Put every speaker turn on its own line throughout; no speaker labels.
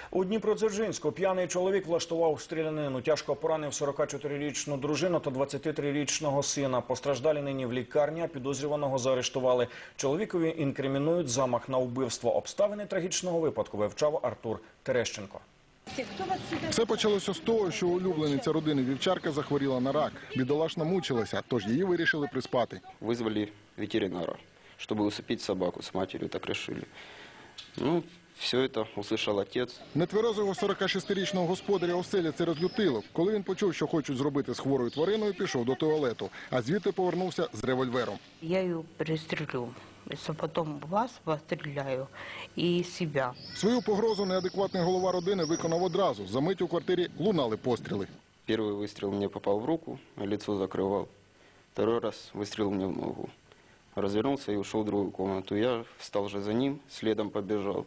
У Дніпродзержинську п'яний чоловік влаштував стрілянину. Тяжко поранив 44-річну дружину та 23-річного сина. Постраждалі нині в лікарні, а підозрюваного заарештували. Чоловікові інкримінують замах на вбивство. Обставини трагічного випадку вивчав Артур Терещенко.
Все почалося з того, що улюблениця родини Вівчарка захворіла на рак. Бідолашна мучилася, тож її вирішили приспати.
Визвали ветеринара, щоб усыпить собаку з матір'ю, так вирішили. Ну, все це услышав отець.
Нетверезого 46-річного господаря оселя це розлютило. Коли він почув, що хочуть зробити з хворою твариною, пішов до туалету, а звідти повернувся з револьвером.
Я її перестрілю. Якщо потім вас постріляю і себе.
Свою погрозу неадекватний голова родини виконав одразу. За мить у квартирі лунали постріли.
Перший вистріл мені попав в руку, лицо закривав. Второй раз вистріл мені в ногу. Развернулся и ушел в другую комнату. Я встал же за ним, следом побежал.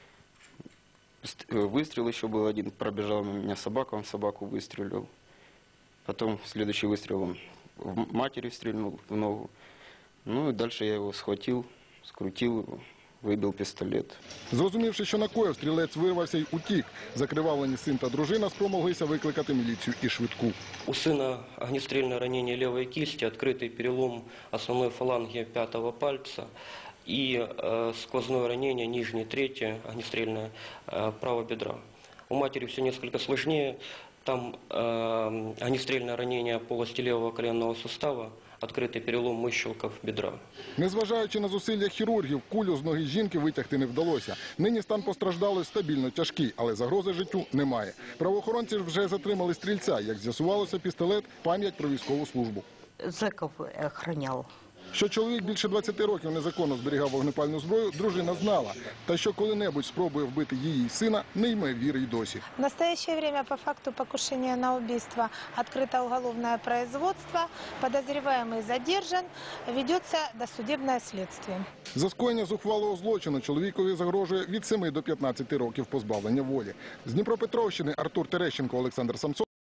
Выстрел еще был один, пробежал на меня собака, он собаку выстрелил. Потом следующий выстрел он в матери стрельнул в ногу. Ну и дальше я его схватил, скрутил его, вибив пістолет.
Зрозумівши, що накоїв, стрілець вирвався й утік. Закривавлені син та дружина спромоглися викликати міліцію і швидку.
У сина огнестрельное ранение левой кисти, открытый перелом основной фаланги пятого пальца и сквозное ранение нижней трети, огнестрельное правого бедра. У матери все несколько сложнее. Там огнестрельное ранение полости левого коленного сустава, відкритий перелом мищелків бедра.
Незважаючи на зусилля хірургів, кулю з ноги жінки витягти не вдалося. Нині стан постраждалої стабільно тяжкий, але загрози життю немає. Правоохоронці ж вже затримали стрільця. Як з'ясувалося, пістолет – пам'ять про військову службу.
Зеків охороняв.
Що чоловік більше 20 років незаконно зберігав вогнепальну зброю, дружина знала. Та що коли-небудь спробує вбити її сина, не йме віри й досі.
В настоящее время по факту покушения на убийство открыто уголовное производство, подозреваемый задержан, ведется досудебное следствие.
За скоєння зухвалого злочину чоловікові загрожує від 7 до 15 років позбавлення волі. З Дніпропетровщини Артур Терещенко, Олександр Самсон.